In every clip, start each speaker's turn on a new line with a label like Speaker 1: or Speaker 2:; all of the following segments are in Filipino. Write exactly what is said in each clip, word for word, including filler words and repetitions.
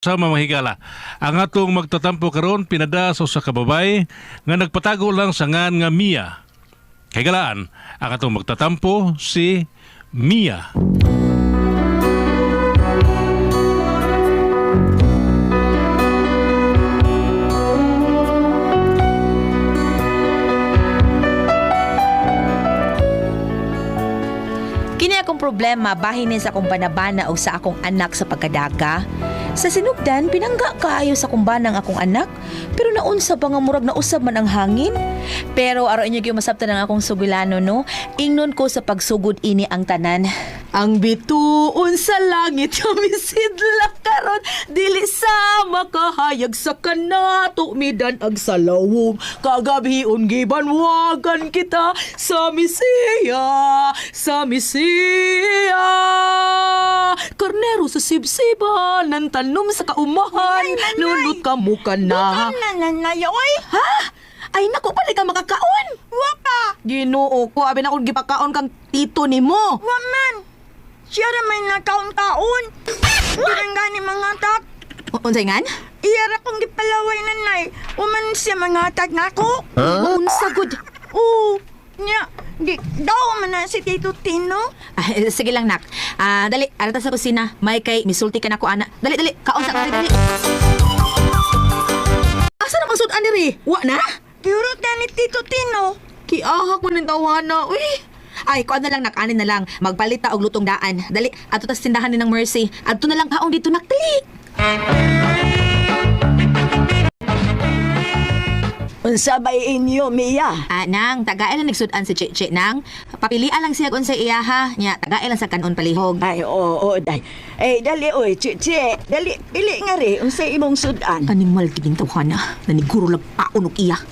Speaker 1: Sa mamahigala, ang atong magtatampo karon pinadaso sa kababay nga nagpatago lang sa ngan nga Mia. Kay galaan, ang atong magtatampo si Mia.
Speaker 2: Kini akong problema bahin sa akong banabana o sa akong anak sa pagkadaga. Sa sinugdan, pinangga kaayo sa kumbanang akong anak, pero naunsa pa nga murag na usab man ang hangin. Pero aro inyo gyud masabtan ang akong sugilano no, ingnon ko sa pagsugod ini ang tanan. Ang bituon sa langit kamisidla karon dili sa makahayag sa kanato midan ag salawom kagabion gibanwagan kita sa misiya sa misiya karnero sa sibsiba nan tanom sa kaumahan lunot ka mo ka na
Speaker 3: Nanay, oy!
Speaker 2: ha ay naku pala ka makakaon
Speaker 3: Wapa!
Speaker 2: Ginoo ko abi na ko gipakaon kang tito nimo
Speaker 3: Waman! Siya na may nakaon-kaon. Durang gani mga tak.
Speaker 2: unsay ngan
Speaker 3: Iyara kong gipalaway nanay. Uman siya mga tak na ako.
Speaker 2: unsa gud
Speaker 3: Oo. Nya, di, daw man na si Tito Tino.
Speaker 2: Ah, eh, sige lang, nak. Ah, dali, arata sa kusina. May kay misulti ka na ko, ana. Dali, dali. Kaon sa dali, dali. Asa na masud ani ri? Wa na?
Speaker 3: Purot na ni Tito Tino.
Speaker 2: Kiahak mo ng tawana. Uy. Ay, kuan na lang, nak. Anin na lang. Magpalita og lutong daan. Dali, ato tas tindahan ni ng Mercy. Adto na lang kaon dito, nak. Dali.
Speaker 3: Unsa bay inyo, Mia?
Speaker 2: Ah, nang, tagaay lang nagsudan si Chichi, nang. Papilian lang siya kung sa iya, ha. Nya, tagaay lang sa kanon palihog.
Speaker 3: Ay, oo, oo, day. Eh, dali, oy, chichi. Dali, pili nga ri. Unsa imong sudan?
Speaker 2: Animal kining tawhana. Naniguro lang paon og iya.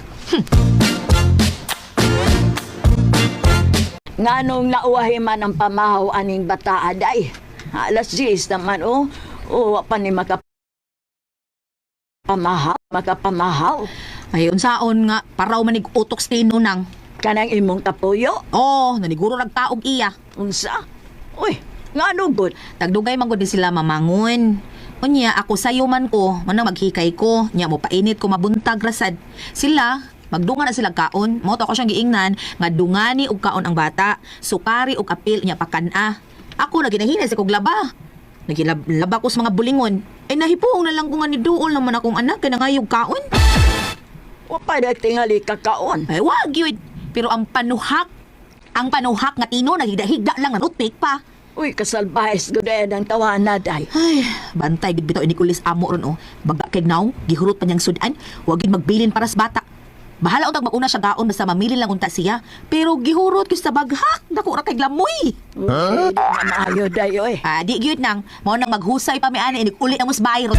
Speaker 3: Nganong nauwahi man ang pamahaw aning bata, day. Alas diyes naman, oh. O, wa pa ni makapamahaw. Makapamahaw.
Speaker 2: Ay, unsaon nga, paraw manig utok sa tino nang.
Speaker 3: Kanang imong kapuyo.
Speaker 2: Oh, naniguro nagtaog iya.
Speaker 3: Unsa? Uy, nga gud.
Speaker 2: Tagdugay man gud sila mamangon. Unya, ako sayo man ko, manang maghikay ko. Nya mo painit ko mabuntag rasad. Sila, magdungan na sila kaon. Mo to ako siyang giingnan nga dungani og kaon ang bata. Sukari og apil nya pakana. Ako na ginahinay sa kog laba. Nagilaba ko sa mga bulingon. Ay nahipuong na lang ko nga ni duol naman akong anak kay nangayog kaon.
Speaker 3: Wa pa na tingali kakaon.
Speaker 2: Ay wag yun. Pero ang panuhak, ang panuhak nga tino naghiga-higa lang nga toothpick pa.
Speaker 3: Uy, kasalbahis gud ay ang tawana, day.
Speaker 2: Ay, bantay gid bitaw ini kulis amo ron oh. Baga kay naw, gihurot pa niyang sudan, wa gid magbilin para sa bata. Bahala untag maguna siya gaon basta mamili lang unta siya. Pero gihurot ko sa baghak, dako ra kay glamoy.
Speaker 3: Okay, maayo, day, oy.
Speaker 2: Ah, di gyud nang mao nang maghusay pa mi ani inig uli ang musbayro.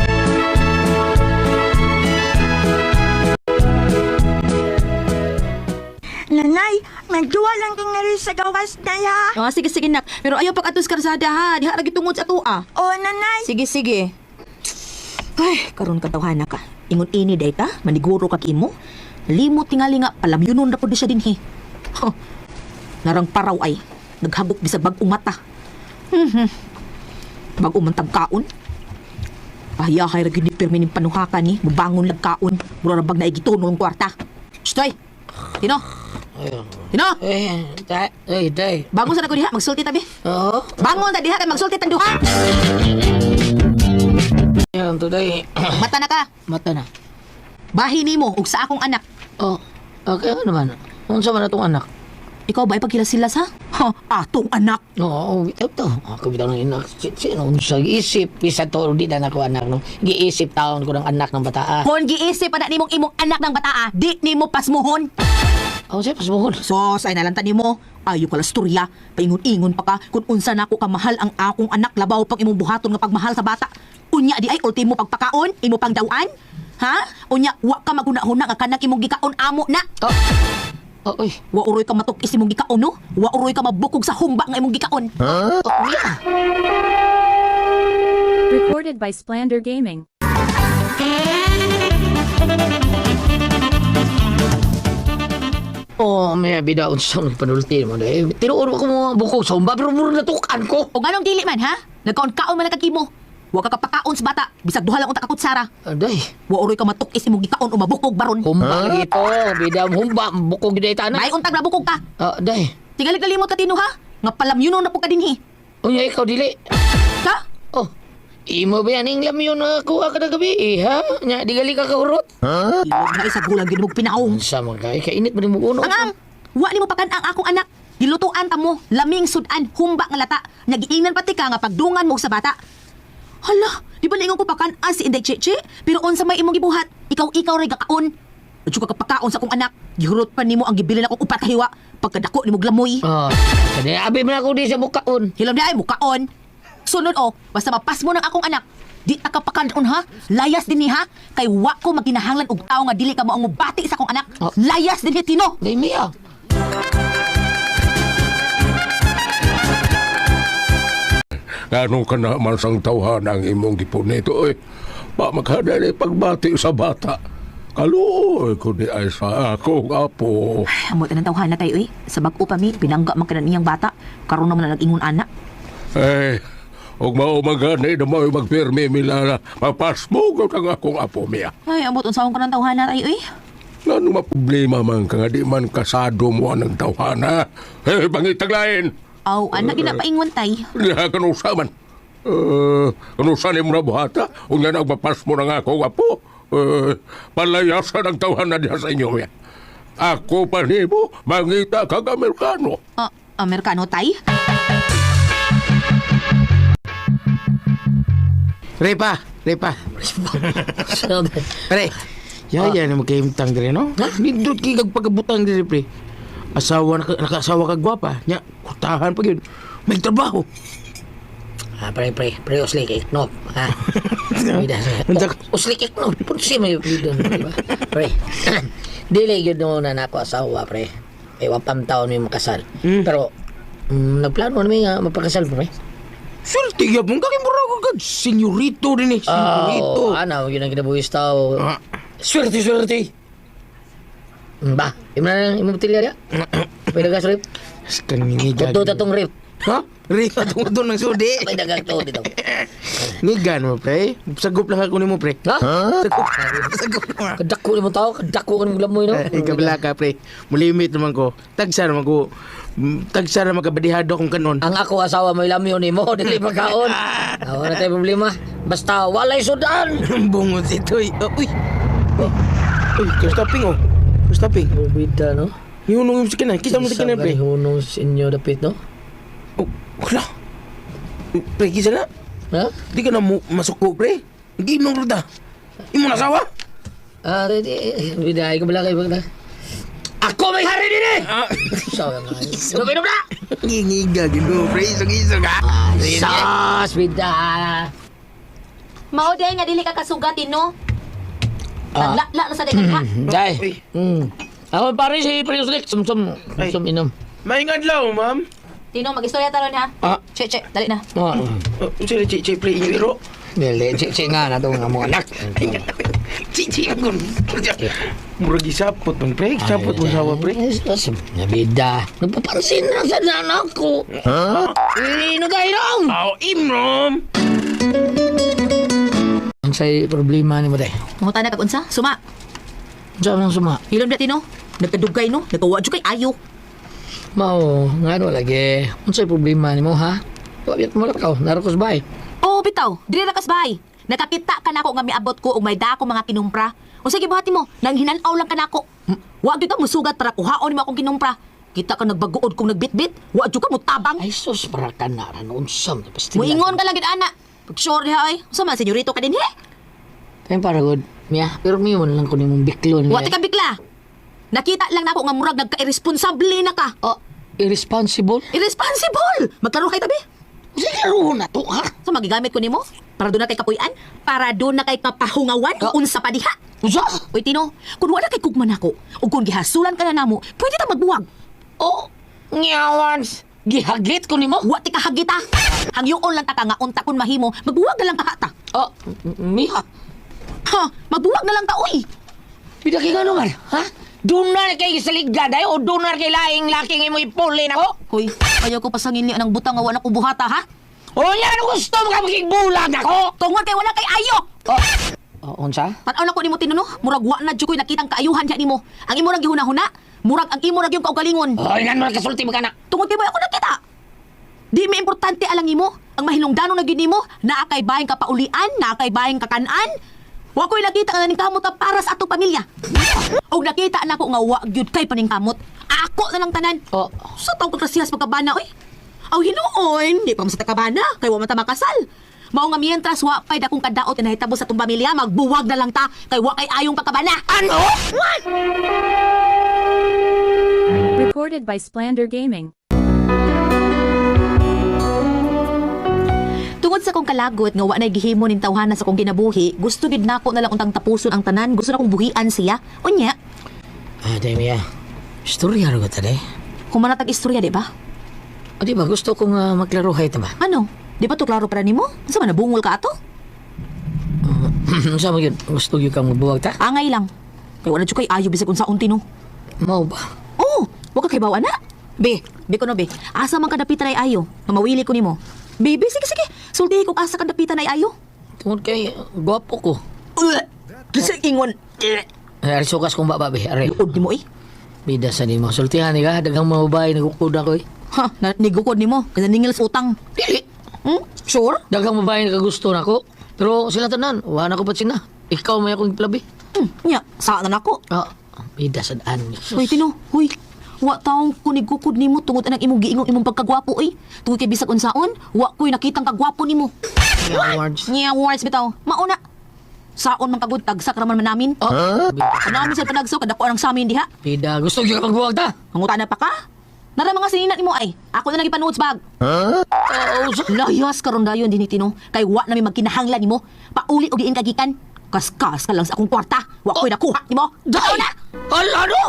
Speaker 3: Nanay, magduwa lang kang nga rin sa gawas na ya.
Speaker 2: Oh, sige sige nak. Pero ayaw pag atos karsada ha, diha ra gitungod sa tua.
Speaker 3: O, nanay.
Speaker 2: Sige sige. Ay, karon ka tawhana ka. Ingon ini day ka, maniguro ka kimo. Limot tingali nga palamyunon ra pud siya dinhi. Huh. Narang paraw ay naghagok bisag bag-ong mata. Mhm. Bag-ong man tagkaon. Pahiyahay ra gyud ni pirmi ning panuhakan ni, mubangon lag kaon. Mura ra bag naigitunon ng kwarta. Stoy. Tino. Tino.
Speaker 4: Eh, day, eh, day.
Speaker 2: Bangon sa nako diha, magsulti tabi.
Speaker 4: Oo.
Speaker 2: Bangon ta diha kay magsulti tan duha.
Speaker 4: Yan, today.
Speaker 2: Mata na ka.
Speaker 4: Mata na.
Speaker 2: Bahin nimo ug sa akong anak.
Speaker 4: Oh, okay ano naman? Unsa man atong anak?
Speaker 2: Ikaw ba ipagkilasilas ha? Ha, atong anak.
Speaker 4: Oo, bitaw to. Ako bitaw ng inak. Sino unsa giisip? Bisa to, di na ako anak. No? Giisip taon ko ng anak ng bata. Ah.
Speaker 2: Kung giisip pa na nimong imong anak ng bataa, di nimo pasmuhon.
Speaker 4: Oh, siya, pasbuhon.
Speaker 2: Sos, ay nalanta nimo. Ayo ka la storya. Paingon-ingon pa ka kung unsa nako kamahal ang akong anak labaw pang imong buhaton nga pagmahal sa bata. Unya di ay ultimo pagpakaon, imo pang dawaan. Ha? Unya, wa ka magunahuna nga kanang imong gikaon amo na.
Speaker 4: Oh. Oh, uy.
Speaker 2: Wa uroy ka matukis imong gikaon no? Wa uroy ka mabukog sa humba nga imong gikaon.
Speaker 4: Oh, yeah.
Speaker 5: Recorded by Splander Gaming.
Speaker 4: Oh, may bida unsa nang panulti mo dai. Tinuod ko mo buko sa umba pero mura natukan ko.
Speaker 2: O ganong dili man ha? Nagkaon-kaon man na kakimo. Wa ka kapakaon sa bata, bisag duha lang unta kakutsara.
Speaker 4: Ah, day.
Speaker 2: Wa oroy ka matukis imong gikaon o mabukog baron.
Speaker 4: Humba lagi ito. Bidam humba. Bukog gina ita na.
Speaker 2: May untag nabukog ka.
Speaker 4: Ah, day.
Speaker 2: Tingali kalimot ka tino ha. Nga palamyunon na po ka dinhi.
Speaker 4: Unya ikaw dili.
Speaker 2: Ka?
Speaker 4: Oh. Imo ba yan ang lamyon na kuha ka na gabi eh, ha? Nya, di gali ka kahurot.
Speaker 2: Ilog na isa gulang gid mong pinaong.
Speaker 4: Sa mga kay, kainit mo din mo uno.
Speaker 2: Ang ang, wa ni mo pakan ang akong anak. Dilutuan ta mo, laming sudan, humba nga lata. Nagiinan pati ka nga pagdungan mo sa bata. Hala, di ba lingon ko pakan ang si Inday Cheche? Pero unsa may imong gibuhat? Ikaw-ikaw ray gakaon. Adyo ka kapakaon sa akong anak. Gihurot pa nimo ang gibili na akong upat hiwa. Pagkadako nimo glamoy.
Speaker 4: Oh, kani abi man ako di sa bukaon.
Speaker 2: Hilom na ay mukaon. Sunod o, basta mapas mo ng akong anak. Di ta kapakandon ha? Layas din ni ha? Kay wa ko maginahanglan og tao nga dili ka mo ang mubati sa akong anak.
Speaker 4: Oh.
Speaker 2: Layas din ni Tino.
Speaker 4: Day Mia.
Speaker 6: Ganong ka naman sang tawhan ang imong gipunito eh. Pa magkadali pagbati sa bata. Kaluoy ko di ay sa akong apo.
Speaker 2: Amo tanang tawhan na tayo eh. Sa bag-o pa mi, pinangga man kanan iyang bata. Karon naman na nag-ingon anak.
Speaker 6: Eh, og maumagani na mo magpirmi mila na mapasmugod ang akong apo miya.
Speaker 2: Ay, amot unsahon ka ng tawhan na tayo eh.
Speaker 6: Ano maproblema man ka nga di man kasado mo ang tawhana? Eh, pangitaglain!
Speaker 2: Aw, anak ginapaingon tay.
Speaker 6: Nga kanusa man. Uh, kanusa ni mo na buhata? O nga nagpapas mo ng akong apo? Uh, palayasan ang tawhana diya sa inyo miya. Ako pa ni mo, mangita kag Amerikano.
Speaker 2: Ah, Amerikano tay?
Speaker 7: Repa, Repa. Pre, yaya na magkaimtang dire, no? Nindot kay kag pagabutang dire, pre. Asawa, naka, nakasawa kag gwapa. Nya, kutahan pa yun. May trabaho.
Speaker 4: Ah, pre, pre, pre, uslik eh, no? Ha? Bida,
Speaker 7: Unsa-
Speaker 4: uslik eh, no? Punsi may bidon, di ba? Pre, dili yun no na nako asawa, pre. Eh, wapam taon may makasal.
Speaker 7: Mm.
Speaker 4: Pero, mm, nagplano namin nga mapakasal, pre.
Speaker 7: Swerte gyud mong kakimura ko kag senyorito din eh. Senyorito.
Speaker 4: Oh, ano, yun ang kinabuhis tao.
Speaker 7: Ah.
Speaker 4: Swerte, swerte. Mm, Ba, imo na imo botilya dia? Pwede ka rip?
Speaker 7: Kaninigan.
Speaker 4: Tuto tatong rip.
Speaker 7: Ha? Repa, tungod doon ng sudi.
Speaker 4: May dagang to dito.
Speaker 7: Ngigan mo, pre. Sagop lang ako ni mo, pre.
Speaker 4: Ha?
Speaker 7: Sagop. Sagop lang.
Speaker 4: Kadako ni mo tao, kadako ka ni mo glamoy, no?
Speaker 7: Eh, kabila ka, pre. Mulimit naman ko. Tagsa naman ko. mm, Tagsa naman kabadihado kung kanon.
Speaker 4: Ang ako asawa mo ilamyo ni mo, dili magkaon. Wala tayo problema. Basta walay sudan.
Speaker 7: Bungot ito eh. Oh, uy. Oh. Uy, kustaping oh. Kustaping.
Speaker 4: Bida, no?
Speaker 7: Ihunong yung sikinan. Kita mo sikinan, pre.
Speaker 4: hunong sa inyo dapit, no?
Speaker 7: Oh, wala. Pre, kisa na.
Speaker 4: Ha?
Speaker 7: Di ka na mo masuko, pre. Ginong ruta. Imo na sawa?
Speaker 4: Ah, ready. Bida, ikaw bala kayo bagla. Ako may hari din eh!
Speaker 7: Ah.
Speaker 4: Sawa nga. Inom na!
Speaker 7: Ngingiga, gino, pre. Isog-isog, ha?
Speaker 4: Sas, bida!
Speaker 2: Mao day nga dili ka kasugatin no.
Speaker 4: Ah.
Speaker 2: Nagla na sa dagan ha.
Speaker 4: Day.
Speaker 7: Uy.
Speaker 4: Hmm. Ako pare si Priuslik. Sum-sum.
Speaker 7: Ay.
Speaker 4: Sum inom.
Speaker 7: Maingad lang, ma'am.
Speaker 2: Tino magistorya taron ha.
Speaker 7: Ah.
Speaker 2: Che che, dali na.
Speaker 4: Oh.
Speaker 7: Oh, sige, che, che, pre. Ingiro.
Speaker 4: Dili, si nga na itong mga anak.
Speaker 7: Che, che, agon. Murag isapot mong, pre. Isapot mo sawa, pre.
Speaker 4: Nabida. Nagpapansin na sa anak ko. Ha? Ino tayo nung!
Speaker 7: Oh, imrom.
Speaker 4: Ang sa'y problema ni mo day.
Speaker 2: Manguta na kag unsa? Suma.
Speaker 4: Saan ang suma?
Speaker 2: Hilom na Tino. Nagkadugay no. Nagawa jud kay ayo.
Speaker 4: Mao, nga ano lagi. Ang sa'y problema ni mo ha? Wabiyat mo lang ka. Narokos ba eh?
Speaker 2: Oh, bitaw. Dili na kasbay. Nakakita ka nako nga miabot ko og may dako mga kinumpra. O sige buhati mo, nang hinanaw lang ka nako. Wa gyud ka musugat para kuhaon mo akong kinumpra. Kita ka nagbaguod kung nagbitbit. Wa gyud ka mutabang.
Speaker 4: Ay sus, para ka na. Ano unsam?
Speaker 2: Muingon ka lang gid ana. Pag sure diha ay. Unsa man senyorito ka din he?
Speaker 4: Kaya para good. Mia, pero may man lang ko ni mong biklon.
Speaker 2: Wa ti ka bigla. Nakita lang nako nga murag nagka-irresponsable na ka.
Speaker 4: Oh, irresponsible?
Speaker 2: Irresponsible! Magklaro kay tabi.
Speaker 4: Sige, ro na to ha.
Speaker 2: So magigamit ko nimo para doon na kay kapuy-an, para doon na kay kapahungawan,
Speaker 4: Oh.
Speaker 2: unsa pa diha.
Speaker 4: Usa?
Speaker 2: Uy Tino, kung wala kay kugman ako, o kung gihasulan ka na namo, pwede ta magbuwag.
Speaker 4: Oh, ngawans. Gihagit ko ni mo?
Speaker 2: Wa ti kahagita. Hangyoon lang ta ka nga unta kun mahimo, magbuwag na lang ka ta.
Speaker 4: Oh, Mia.
Speaker 2: Ha, magbuwag na lang ta uy.
Speaker 4: Pida kay gano man, ha? Dunar kay sa ligdaday o dunar kay laing laking imo ipuli na ko?
Speaker 2: Hoy, ayaw ko pasangin ni anang butang nga wala ko buhata ha.
Speaker 4: O yan ang gusto mo ka maging bulag ako!
Speaker 2: Tungod kay wala kay ayo.
Speaker 4: Oh, oh unsa?
Speaker 2: Tanaw na ko nimo tinuno, murag wa na jud ko'y nakitang kaayuhan diha nimo. Ang imo ra gihuna-huna, murag ang imo ra gyud kaugalingon.
Speaker 4: O yan mo kasulti mo ka na.
Speaker 2: Tungod kay ba ako nakita. Di mi importante alang imo, ang mahilungdanon na gyud nimo, naa kay bayang kapaulian, naa kay bayang kakanan. Wa ko'y nakita nga ning kamot na para sa atong pamilya. Og nakita na ko nga wa gyud kay paningkamot. Ako na lang tanan.
Speaker 4: Oh.
Speaker 2: Sa taong kakrasihas pagkabana oy. Aw hinuon, di pa mo sa takabana, kay wa man ta makasal. Mao nga mientras wa pay dakong kadaot na hitabo sa tong pamilya, magbuwag na lang ta kay wa kay ayong pagkabana. Ano?
Speaker 5: Recorded by Splander Gaming.
Speaker 2: Tungod sa kong kalagot nga wa nay gihimo ning tawhana sa kong kinabuhi, gusto gid nako na lang untang tapuson ang tanan, gusto na kong buhian siya. Unya,
Speaker 4: Ah, Demi, ah. Storya rin ko tali.
Speaker 2: kumanatag istorya, di ba?
Speaker 4: O di ba, gusto kong uh, maglaruhay ito ba?
Speaker 2: Ano? Di ba to klaro para nimo? Sa man nabungol ka ato?
Speaker 4: Sa mo yun, gusto yun kang magbuwag ta?
Speaker 2: Angay lang. Kay wala jud kay ayo bisag unsa unti no.
Speaker 4: Mau ba?
Speaker 2: Oh, wa ka kay bawa na. Be, be ko no be. Asa man ka dapitan ay ayo? Nga mawili ko nimo. Be, be, sige sige. Sultihi ko asa ka dapitan ay ayo.
Speaker 4: Tungkol kay, uh, gwapo ko.
Speaker 2: Kasi ingon.
Speaker 4: Ay, ari sukas kong baba, be. Ari.
Speaker 2: Luod nimo eh.
Speaker 4: Bida sa ni mo. Sultihan ni ka, dagang mga babae, nagkukuda ko eh.
Speaker 2: Ha, na, nigukod nimo. Kasi ningil sa utang.
Speaker 4: Dili.
Speaker 2: Hmm? Sure?
Speaker 4: Dagang babae nakagusto na ko. Pero sila tanan, wala ko pa sina. Ikaw may akong plabi.
Speaker 2: Hmm, nya, saan na nako?
Speaker 4: Ah, bida sa daan.
Speaker 2: Hoy, Tino, hoy. Wa taong kunigukod nimo tungod anang imong giingong imong pagkagwapo eh. Tungod kay bisag unsaon, wa ko'y nakitang kagwapo nimo.
Speaker 4: Awards.
Speaker 2: Nya awards bitaw. Mauna. Saon man kagud tagsak raman man namin.
Speaker 4: Oh,
Speaker 2: Ano namin sa panagso kadako ang sa amin diha.
Speaker 4: bida, gusto yun ka magbuwag ta.
Speaker 2: Manguta na pa ka? Nara mga sininat nimo ay. Ako na lagi panuod sa bag.
Speaker 4: Oo, sa...
Speaker 2: Layas karon dayon dinhi Tino. Kay wa na may magkinahanglan nimo. Pauli og giin kagikan. Kaskas ka lang sa akong kwarta. Wa ko'y nakuha nimo. Daw na.
Speaker 4: Hala, ano?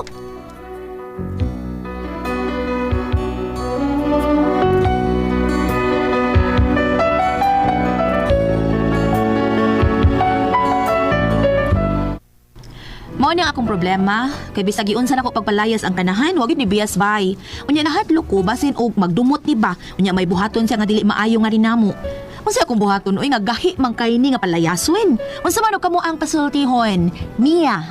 Speaker 2: Mao ni ang akong problema, kay bisag giunsa nako pagpalayas ang kanahan, wa gyud ni bias bay. Unya nahadlok ko basin og magdumot ni ba, unya may buhaton siya nga dili maayo nga rin namo. Unsa akong buhaton oy nga gahi man kay ni nga palayason. Unsa man og kamo ang pasultihon? Mia.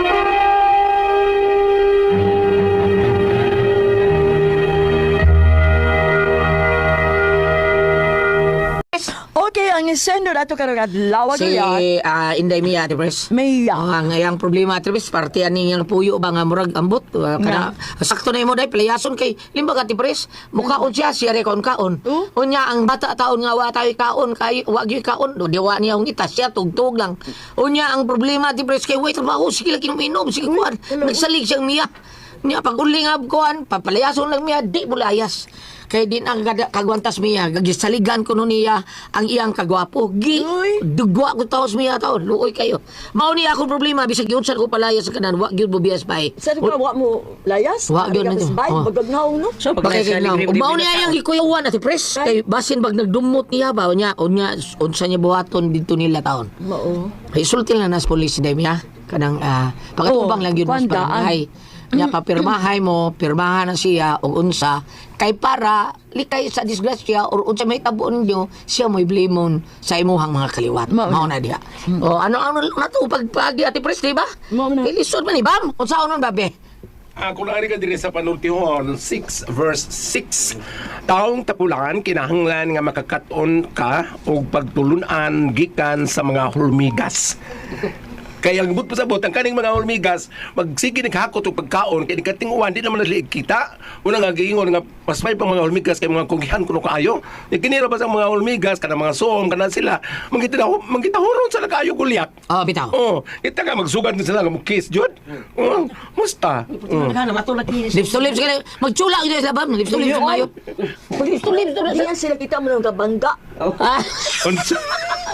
Speaker 3: Okay, ang isendo na ito karong adlaw
Speaker 4: Si
Speaker 3: gyud.
Speaker 4: ah, Inday Mia, Ate Pres.
Speaker 3: Maya.
Speaker 4: Oh, ang ayang problema, Ate Pres, parte ani yang puyo ba nga murag ambot. Uh, kana, sakto na imo day, palayason kay limba ka, Ate Pres. Mukhaon siya, siya re kaon kaon.
Speaker 3: Oh?
Speaker 4: Unya, ang bata taon nga wa tayo kaon, kay wa gyud kaon. Do diwa niya ang ita, siya tugtog lang. Unya, ang problema, Ate Pres, kay wait trabaho, sige lagi minom, sige kuan. Nagsalig siyang Mia. Niya pag uling ab kuan, papalayason lang Mia, di mo layas. Kay din ang gada- kagwantas Mia, gagisaligan ko no niya ang iyang kagwapo. Gi, dugwa ko taos Mia taon, luoy kayo. Mao ni akong problema, bisag yun sa ko palayas sa kanan, wa gyud mo bias pay.
Speaker 3: Sa ka wa mo layas?
Speaker 4: Wa, gyud na
Speaker 3: Sa
Speaker 4: yun.
Speaker 3: bay,
Speaker 4: Oh.
Speaker 3: bagagnaw no.
Speaker 8: So,
Speaker 4: Bakit lang, mao ni ayang ikuyawan at press, kay basin bag nagdumot niya ba, unya, unya, unsa niya buhaton dito nila taon.
Speaker 3: Mao.
Speaker 4: Kay sulti lang nas police day Mia, kanang, ah, pagkatubang
Speaker 3: Oh,
Speaker 4: lang yun mas
Speaker 3: kwandaan.
Speaker 4: pagmahay. Nya papirmahay mo, pirmahan na siya o unsa kay para likay sa disgrasya or unsa may tabo ninyo siya mo'y blimon sa imuhang mga kaliwat.
Speaker 3: Mao
Speaker 4: Mao na diha. O ano ano na to pagpagi ati pres di ba?
Speaker 3: Mao na.
Speaker 4: Ilisod man ni bam. Unsa unon babe?
Speaker 6: Ako na ka din sa panultihon, six verse six. Taong tapulan, kinahanglan nga makakaton ka o pagtulunan gikan sa mga hulmigas. Kaya ang but pa sa bot, ang kaning mga hulmigas, magsige ni hakot o pagkaon, kaya di katinguan, di naman naliig kita. Una nga giingon nga, mas may pang mga hulmigas, kaya mga kugihan kuno kaayo. Di kinira pa sa mga hulmigas, kana mga soom, kana sila, mangita manggitahuron sa nagaayo gulyak.
Speaker 4: Oh, bitaw.
Speaker 6: Oh, kita ka magsugat din sila nga mo kiss jud. Oh, musta? Oh.
Speaker 4: Lips to lips kaya magchula gyud sa labam, lips to lips mayo. Lips to lips.
Speaker 3: Diyan sila kita mo ng kabangga.
Speaker 4: Ah,
Speaker 6: Unsa?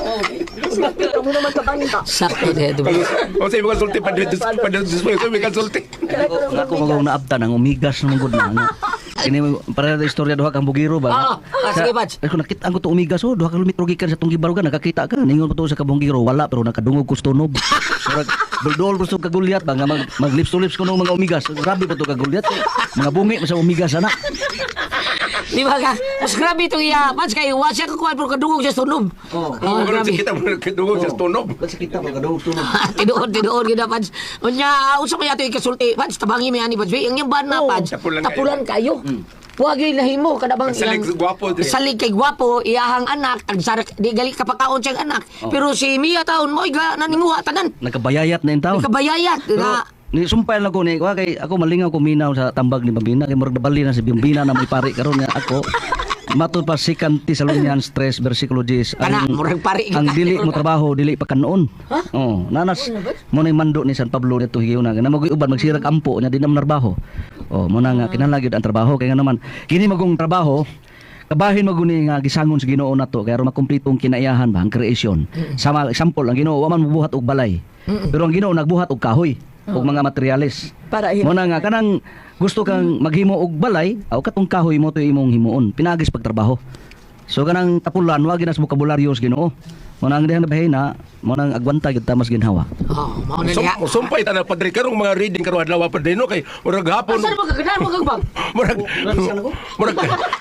Speaker 3: Sila kita mo naman kabangga.
Speaker 4: sakto de.
Speaker 6: O sa mga sulti pa dito pa dito sa mga sulti.
Speaker 8: Ako magaw na abta ng umigas ng good na. Kini para sa istorya duha kang bugiro ba?
Speaker 4: Ah, ah, sige, Pads.
Speaker 8: Ako nakita ang to umigas oh, duha ka kilometro gikan sa tong gibarugan nakakita ka. Ningon ko to sa kabungiro wala pero nakadungog ko sa tunob. Murag buldol gusto kagulyat ba nga mag, mag lips to lips ko ng mga umigas. Grabe pa to kagulyat. Mga bungi sa umigas ana.
Speaker 4: Di ba ka? Mas grabe itong iya. Mas kayo, wa siya kakuha pero kadungog siya sa tunog.
Speaker 8: Oh.
Speaker 4: Oh, grabe.
Speaker 6: kita mo nagkadungog sa tunog.
Speaker 8: Kasi kita mo kadungog tunog.
Speaker 4: Tinuod, tinuod gina, Pads. Unya, usap mo yato yung kasulti. Pads, tabangi mo yan ni Pads. Yung yung ban na, Pads.
Speaker 6: tapulan
Speaker 4: Tapulan kayo. Huwag yung lahimo. Kadabang
Speaker 6: Salig
Speaker 4: iyang-
Speaker 6: gwapo, di.
Speaker 4: Salig kay gwapo, iyahang anak. Ang sarak, di gali kapakaon siyang anak. Pero si Mia taon mo, iga, naninguha tanan.
Speaker 8: Nagkabayayat na yung taon.
Speaker 4: Kabayayat. Na,
Speaker 8: Ni sumpay lang ko ni wa kay ako malingaw ko minaw sa tambag ni Bambina kay murag nabali na si Bambina na may pari karon nga ako matud pa second Thessalonians three versikulo ten
Speaker 4: Kana, murag pari ka.
Speaker 8: ang dili mo trabaho dili pa kanon. Oh, nanas mo na mando ni San Pablo dito higaw na na magoy uban magsirag ampo nya di na trabaho. Oh, mo na nga kinahanglan gyud ang trabaho kay nga naman kini magong trabaho kabahin maguni nga gisangon sa Ginoo nato kay aron makumpleto ang kinaiyahan ba ang creation. Sama example ang Ginoo wa man mobuhat og balay. Pero ang Ginoo nagbuhat og kahoy og mga materialis.
Speaker 3: Para
Speaker 8: Mo na nga kanang gusto kang maghimo og balay, aw katong kahoy mo to imong himuon, pinagis pagtrabaho. So kanang tapulan wa ginas bokabularyo sa Ginoo. Mo nang dihan bahay na, mo nang agwanta gyud ta mas ginhawa.
Speaker 4: oh, mau na
Speaker 6: Sum,
Speaker 4: niya.
Speaker 6: sumpay ta na padre karong mga reading karon adlaw padre no kay murag hapon.
Speaker 4: Saan mo kaganahan mo kagbang?
Speaker 6: Murag murag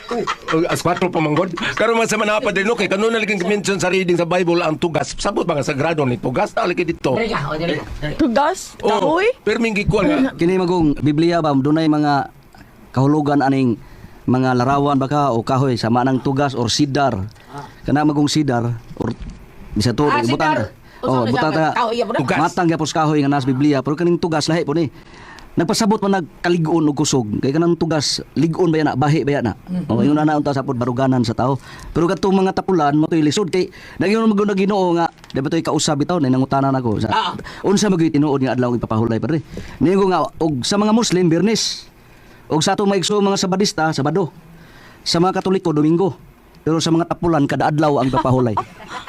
Speaker 6: as kwatro pa manggod. Karon man sa mga padre no kay kanon na liging mention sa reading sa Bible ang tugas. Sabot ba nga sagrado ni tugas ta lagi dito.
Speaker 4: Dali ka, o dali.
Speaker 3: Tugas?
Speaker 6: Oh, pero mingi ko nga.
Speaker 8: Kini magong Biblia ba dunay mga kahulugan aning mga larawan baka o kahoy sama nang tugas or sidar. Kana magong sidar or bisa to
Speaker 4: Ah,
Speaker 8: butang.
Speaker 4: sidar.
Speaker 8: Oh,
Speaker 4: Usa na
Speaker 8: butang
Speaker 4: siya,
Speaker 8: ta.
Speaker 4: kahoy, bro.
Speaker 6: Tugas.
Speaker 8: Matang gyapos kahoy nga nas Biblia pero kaning tugas lahi po ni. Nagpasabot man nagkaligon og kusog kay kanang tugas ligon ba yana bahi ba yana. Oh, ingon na unta sa pod baruganan sa tao. Pero kadtong mga tapulan mo toy lisod kay nagyon mo na Ginoo nga dapat toy kausab bitaw na nangutanan ako sa
Speaker 4: Ah.
Speaker 8: unsa magay tinuod nga adlaw ipapahulay padre. Ningo nga og sa mga Muslim Biyernes. Og sa ato maigso mga Sabadista Sabado. Sa mga Katoliko Domingo. Pero sa mga tapulan kada adlaw ang ipapahulay.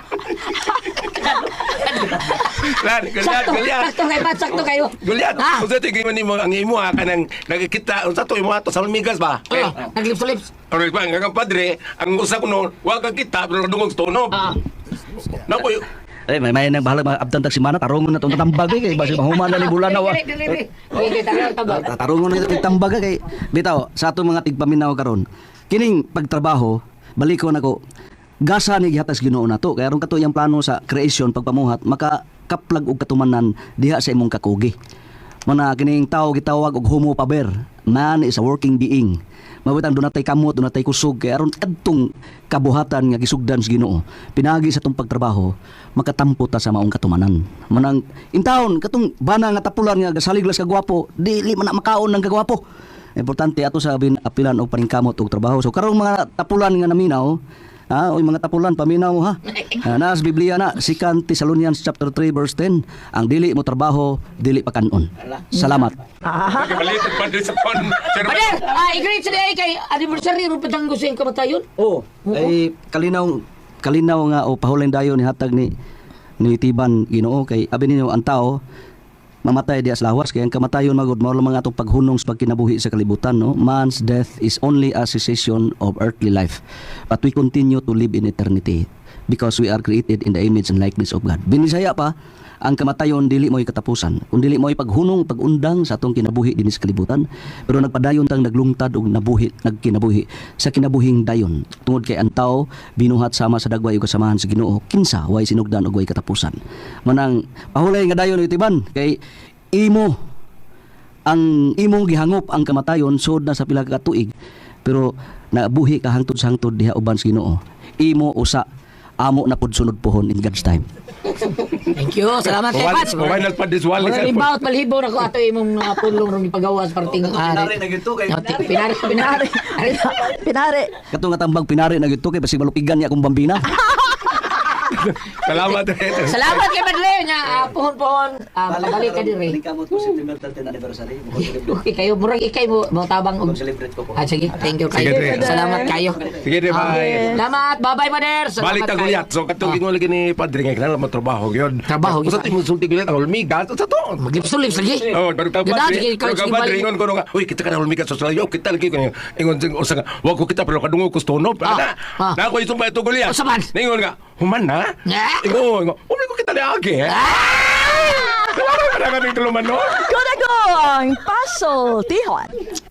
Speaker 6: Lan, gulyat,
Speaker 4: Sakto,
Speaker 6: gulyat.
Speaker 4: sakto kayo, Pat, sakto kayo.
Speaker 6: Gulyat.
Speaker 4: Ah,
Speaker 6: Unsa ti gingon nimo ang imo ha kanang nakikita unsa to imo ato sa Lumigas ba? Eh,
Speaker 4: oh, naglips to lips.
Speaker 6: Ano ba nga padre, ang usa kuno wa ka kita pero dungog sa tunog.
Speaker 4: Ah,
Speaker 6: Nako,
Speaker 8: Eh may may nang bahala mga abtan tag simana tarungon na tong tambag eh, kay basi mahuman na ni bulan na wa.
Speaker 4: dili, dili, dili. Okay, tayo, tabag.
Speaker 8: Tarungon na itong tambag kay bitaw sa ato mga tigpaminaw karon. Kining pagtrabaho baliko nako gasa ni gihatas Ginoo nato kay aron kato iyang plano sa creation pagpamuhat maka kaplag og katumanan diha sa imong kakugi. Mana kining tao gitawag og homo paber. Man is a working being. Mabutang dunatay kamot, dunatay kusog kay aron kadtong kabuhatan nga gisugdan sa Ginoo. Pinagi sa tong pagtrabaho, makatampo ta sa maong katumanan. Manang intawon katong bana nga tapulan nga gasaliglas ka gwapo, dili man na makaon ng kagwapo. Importante ato sa bin apilan og paningkamot og trabaho. So karong mga tapulan nga naminaw, ha, oy mga tapulan paminaw ha. Ah, na sa Biblia na Second Thessalonians chapter three verse ten, ang dili mo trabaho, dili pa kanon. Salamat.
Speaker 6: balitan padre sa kon. Sir,
Speaker 4: Pader, ah, i-greet sa day kay anniversary ro patang gusto yung kamatayon.
Speaker 8: Oh, ay kalinaw kalinaw nga o pahulay dayon ni hatag ni ni Tiban Ginoo kay abi ninyo ang tao mamatay diha sa lawas kay ang kamatayon magud mao lang mga atong paghunong sa pagkinabuhi sa kalibutan no. Man's death is only a cessation of earthly life, but we continue to live in eternity because we are created in the image and likeness of God. Binisaya pa ang kamatayon dili mo'y katapusan, kung dili mo'y paghunong pag-undang sa atong kinabuhi dinhi sa kalibutan, pero nagpadayon tang naglungtad og nabuhi nagkinabuhi sa kinabuhing dayon tungod kay ang tao binuhat sama sa dagway ug kasamahan sa Ginoo kinsa way sinugdan og way katapusan. Manang pahulay nga dayon itiban kay imo ang imong gihangop ang kamatayon sud na sa pila ka tuig, pero nabuhi ka hangtod sa hangtod diha uban sa Ginoo. Imo usa amo na pud sunod pohon in God's time.
Speaker 4: Thank you. Salamat kay Pat.
Speaker 6: Final pa this wali.
Speaker 4: Mga libaw at malhibaw na ko ato imong uh, pulong rong ipagawas parting ari.
Speaker 8: na gito kay
Speaker 4: Pinari, pinari.
Speaker 3: Pinari.
Speaker 8: kato nga tambang pinari na gito kay basig malupigan niya akong bambina.
Speaker 6: Salamat.
Speaker 4: Salamat kay Padre nya uh, pohon-pohon. Uh, pabalik ka dire.
Speaker 8: Kamot ko September thirteen anniversary.
Speaker 4: Okay kayo murag ikay mo mo tabang og.
Speaker 8: Celebrate ko po.
Speaker 4: Ah, sige, thank you kayo.
Speaker 6: Sige, Dre.
Speaker 4: Salamat kayo.
Speaker 6: Sige, Dre, bye.
Speaker 4: Salamat. Bye-bye, Pader. Salamat
Speaker 6: Balik ta
Speaker 4: kayo.
Speaker 6: gulyat. So katong gingon lagi ni padre nga kinahanglan mo trabaho gyud.
Speaker 4: Trabaho,
Speaker 6: Usa
Speaker 4: gid.
Speaker 6: ti mo sulti gulyat ang hulmigas sa to.
Speaker 4: Maglips-lips lagi.
Speaker 6: Oh, baru tahu
Speaker 4: Ganda,
Speaker 6: padre.
Speaker 4: sige,
Speaker 6: Baru
Speaker 4: sige,
Speaker 6: ka padre
Speaker 4: balik.
Speaker 6: ingon ko nga, uy kita kana hulmigas sa salayo, kita lagi ko ingon sing usa nga, wa ko kita pero kadungog ko stonob.
Speaker 4: Ah,
Speaker 6: Ana.
Speaker 4: ah.
Speaker 6: Na ko isumba ito gulyat.
Speaker 4: Usa man?
Speaker 6: Ningon nga, human na.
Speaker 4: Nga.
Speaker 6: Ingon, ingon, umi ko kita lagi. Wala ka na kaning tuluman no.
Speaker 3: Kunagong Paso Tihon.